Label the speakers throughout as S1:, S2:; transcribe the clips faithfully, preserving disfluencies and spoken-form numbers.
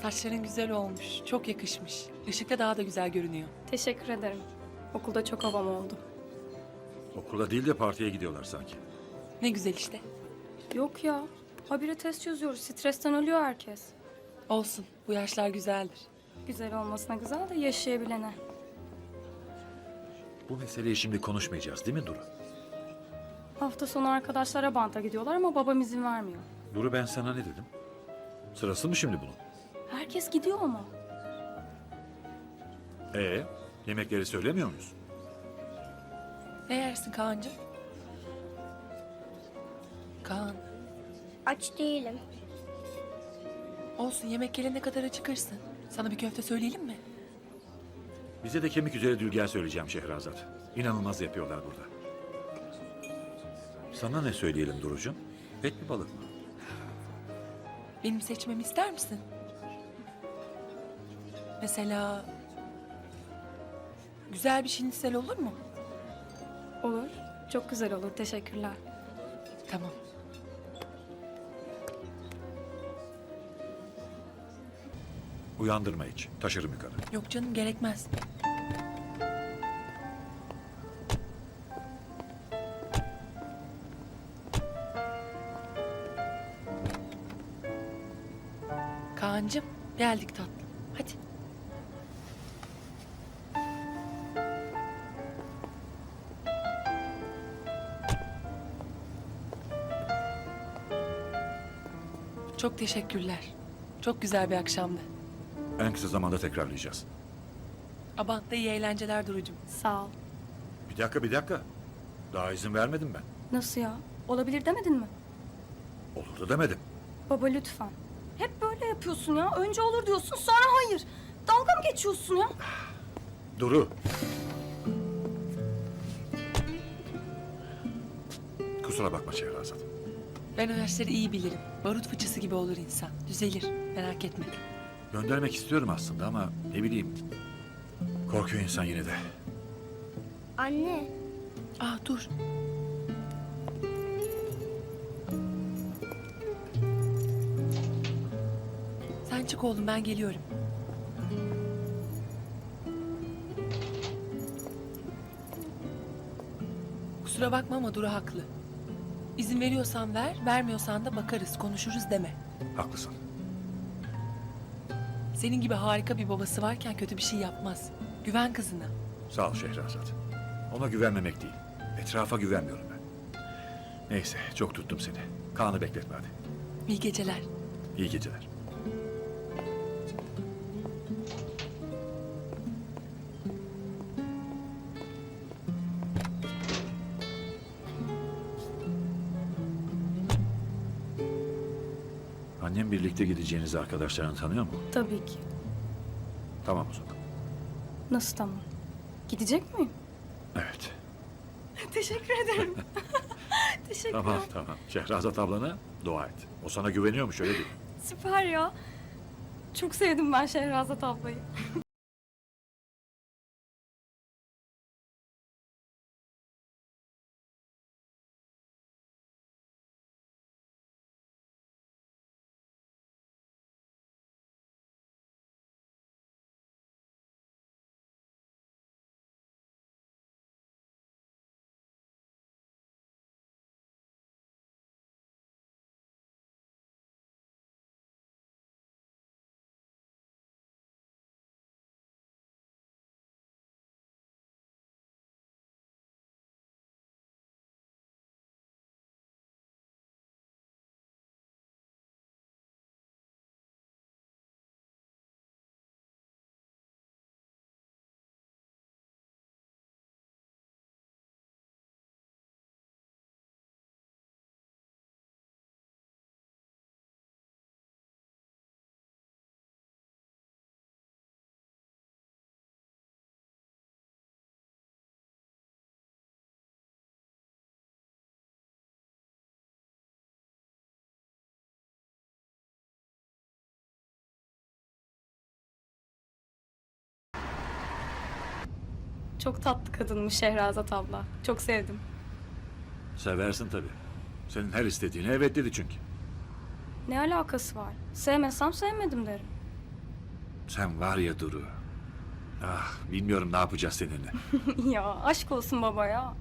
S1: Saçların güzel olmuş. Çok yakışmış. Işıkta daha da güzel görünüyor.
S2: Teşekkür ederim. Okulda çok havam oldu.
S3: Okula değil de partiye gidiyorlar sanki.
S1: Ne güzel işte.
S2: Yok ya. Habire test çözüyoruz. Stresten ölüyor herkes.
S1: Olsun. Bu yaşlar güzeldir.
S2: Güzel olmasına güzel de yaşayabilene.
S3: Bu meseleyi şimdi konuşmayacağız değil mi Duru?
S2: Hafta sonu arkadaşlara banta gidiyorlar ama babam izin vermiyor.
S3: Duru ben sana ne dedim? Sırası mı şimdi bunun?
S2: Herkes gidiyor ama.
S3: Ee, yemekleri söylemiyor muyuz?
S1: Ne yersin Kaan'cığım? Kaan.
S4: Aç değilim.
S1: Olsun, yemek gelene kadar acıkırsın. Sana bir köfte söyleyelim mi?
S3: Bize de kemik üzeri dülger söyleyeceğim Şehrazat. İnanılmaz yapıyorlar burada. Sana ne söyleyelim Duru'cum? Et mi balık mı?
S1: Benim seçmemi ister misin? Mesela... Güzel bir şinisel olur mu?
S2: Olur. Çok güzel olur. Teşekkürler.
S1: Tamam.
S3: Uyandırma hiç. Taşırım yukarı.
S1: Yok canım, gerekmez. Kaan'cığım, geldik tatlım. Hadi. Çok teşekkürler. Çok güzel bir akşamdı.
S3: En kısa zamanda tekrarlayacağız.
S1: Abant'ta iyi eğlenceler Duru'cum.
S2: Sağ ol.
S3: Bir dakika bir dakika. Daha izin vermedim ben.
S2: Nasıl ya? Olabilir demedin mi?
S3: Olur da demedim.
S2: Baba lütfen. Hep böyle yapıyorsun ya. Önce olur diyorsun sonra hayır. Dalga mı geçiyorsun ya?
S3: Duru. Kusura bakma Şehrazat.
S1: Ben o yaşları iyi bilirim. Barut fıçısı gibi olur insan. Düzelir. Merak etme.
S3: Göndermek istiyorum aslında ama ne bileyim. Korkuyor insan yine de.
S4: Anne,
S1: Aa dur. Sen çık oğlum, ben geliyorum. Kusura bakma ama Duru haklı. İzin veriyorsan ver, vermiyorsan da bakarız, konuşuruz deme.
S3: Haklısın.
S1: Senin gibi harika bir babası varken kötü bir şey yapmaz. Güven kızına.
S3: Sağ ol Şehrazat. Ona güvenmemek değil. Etrafa güvenmiyorum ben. Neyse çok tuttum seni. Kaan'ı bekletme hadi.
S1: İyi geceler.
S3: İyi geceler. Annem birlikte gideceğinizi arkadaşlarını tanıyor mu?
S2: Tabii ki.
S3: Tamam o zaman.
S2: Nasıl tamam? Gidecek miyim?
S3: Evet.
S2: Teşekkür ederim. Teşekkürler.
S3: Tamam tamam. Şehrazat ablana dua et. O sana güveniyormuş öyle değil.
S2: Süper ya. Çok sevdim ben Şehrazat ablayı. Çok tatlı kadınmış Şehrazat abla. Çok sevdim.
S3: Seversin tabii. Senin her istediğine evet dedi çünkü.
S2: Ne alakası var? Sevmesem sevmedim derim.
S3: Sen var ya Duru. Ah, bilmiyorum ne yapacağız seninle.
S2: Ya aşk olsun baba ya.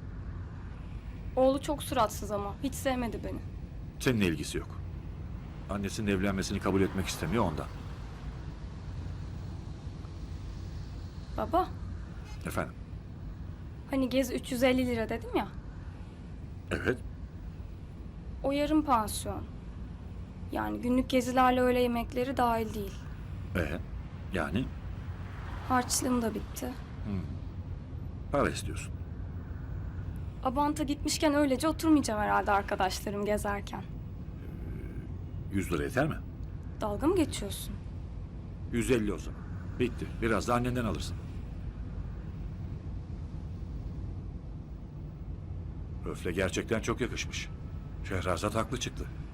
S2: Oğlu çok suratsız ama hiç sevmedi beni.
S3: Seninle ilgisi yok. Annesinin evlenmesini kabul etmek istemiyor ondan.
S2: Baba,
S3: Efendim?
S2: hani gezi üç yüz elli lira dedim ya.
S3: Evet.
S2: O yarım pansiyon. Yani günlük gezilerle öğle yemekleri dahil değil.
S3: Ee, yani
S2: Harçlığım da bitti.
S3: para istiyorsun.
S2: Abant'a gitmişken öylece oturmayacağım herhalde arkadaşlarım gezerken.
S3: Yüz lira yeter mi?
S2: Dalga mı geçiyorsun?
S3: Yüz elli o zaman. Bitti. Biraz da annenden alırsın. Öfle gerçekten çok yakışmış. Şehrazat haklı çıktı.